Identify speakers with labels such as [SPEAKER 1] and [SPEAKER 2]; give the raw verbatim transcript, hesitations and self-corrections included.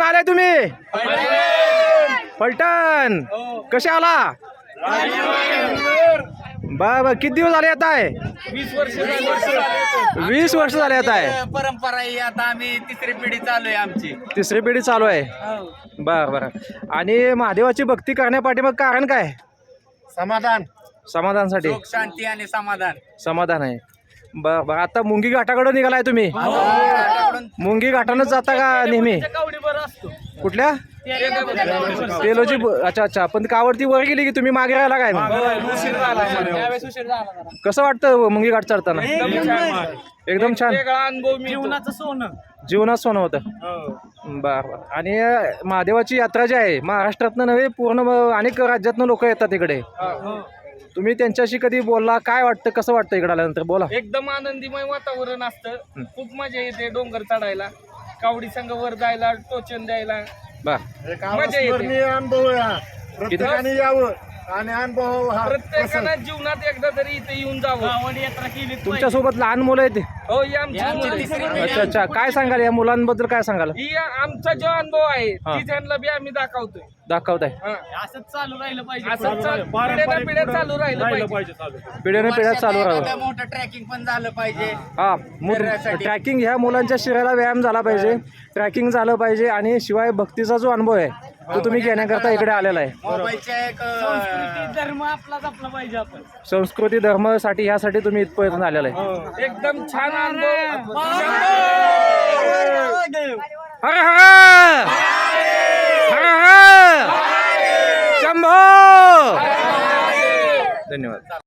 [SPEAKER 1] आलाय तुम्ही? फलटण. कसे आला? बर बर. किती दिवस झाले आता आहे?
[SPEAKER 2] वीस वर्ष
[SPEAKER 1] वीस वर्ष झाले आता आहे.
[SPEAKER 2] परंपरा ही आता आम्ही तिसरी पिढी चालू आहे आमची.
[SPEAKER 1] तिसरी पिढी चालू आहे. बर बर. आणि महादेवाची भक्ती करण्यापाठी मग कारण काय?
[SPEAKER 2] समाधान,
[SPEAKER 1] समाधानासाठी.
[SPEAKER 2] सुख, शांती आणि समाधान.
[SPEAKER 1] समाधान आहे. बर बर. आता मुंगी घाटाकडे निघालाय तुम्ही? मुंगी घाटानच जाता का नेहमी? कुठल्या? तेलोजी. अच्छा अच्छा. पण कावडती वर गेली की तुम्ही मागे राहिला काय? कसं वाटतं मुंगी घाट चढताना? एकदम छान.
[SPEAKER 2] जीवनाचं सोनं.
[SPEAKER 1] जीवनात सोनं होतं. बर बर. आणि महादेवाची यात्रा जी आहे महाराष्ट्रातनं नव्हे पूर्ण अनेक राज्यातनं लोक येतात इकडे. तुम्ही त्यांच्याशी कधी बोलला? काय वाटतं? कसं वाटतं इकडे आल्यानंतर? बोला.
[SPEAKER 2] एकदम आनंदीमय वातावरण असतं. खूप मजा येते डोंगर चढायला, कावडी संघ वर जायला, टोचन द्यायला.
[SPEAKER 1] बर.
[SPEAKER 2] मजा येते.
[SPEAKER 3] अनुभव प्रत्येकाने यावं आणि अनुभव हा
[SPEAKER 2] प्रत्येकानं जीवनात एकदा तरी इथे येऊन जावं. कावडी यात्रा केली.
[SPEAKER 1] तुमच्यासोबत लहान मुलं आहेत?
[SPEAKER 2] हो, ही आमची तिसरी पिढी.
[SPEAKER 1] अच्छा अच्छा. काय सांगाल या मुलांबद्दल? काय सांगाल?
[SPEAKER 2] ही आमचा जो अनुभव आहे
[SPEAKER 1] हा.
[SPEAKER 2] ती त्यांना बी आम्ही दाखवतोय.
[SPEAKER 1] दाखवताय.
[SPEAKER 2] असंच चालू राहिलं पाहिजे. असंच पिढ्या पिढ्या चालू राहिलं पाहिजे.
[SPEAKER 1] पिढ्याने पिढ्या चालू राहावं.
[SPEAKER 2] मोठं ट्रॅकिंग पण झालं पाहिजे.
[SPEAKER 1] हा. ट्रॅकिंग ह्या मुलांच्या शरीराला व्यायाम झाला पाहिजे, ट्रॅकिंग झालं पाहिजे आणि शिवाय भक्तीचा जो अनुभव आहे तो तुम्ही घेण्याकरता इकडे आलेला आहे.
[SPEAKER 2] मोबाईलच्या एक धर्म आपलाच आपला पाहिजे. आपण
[SPEAKER 1] संस्कृती धर्मासाठी ह्यासाठी तुम्ही इथपर्यंत आलेला आहे.
[SPEAKER 2] एकदम छान अनुभव.
[SPEAKER 1] हर हर हर हर शंभो. धन्यवाद.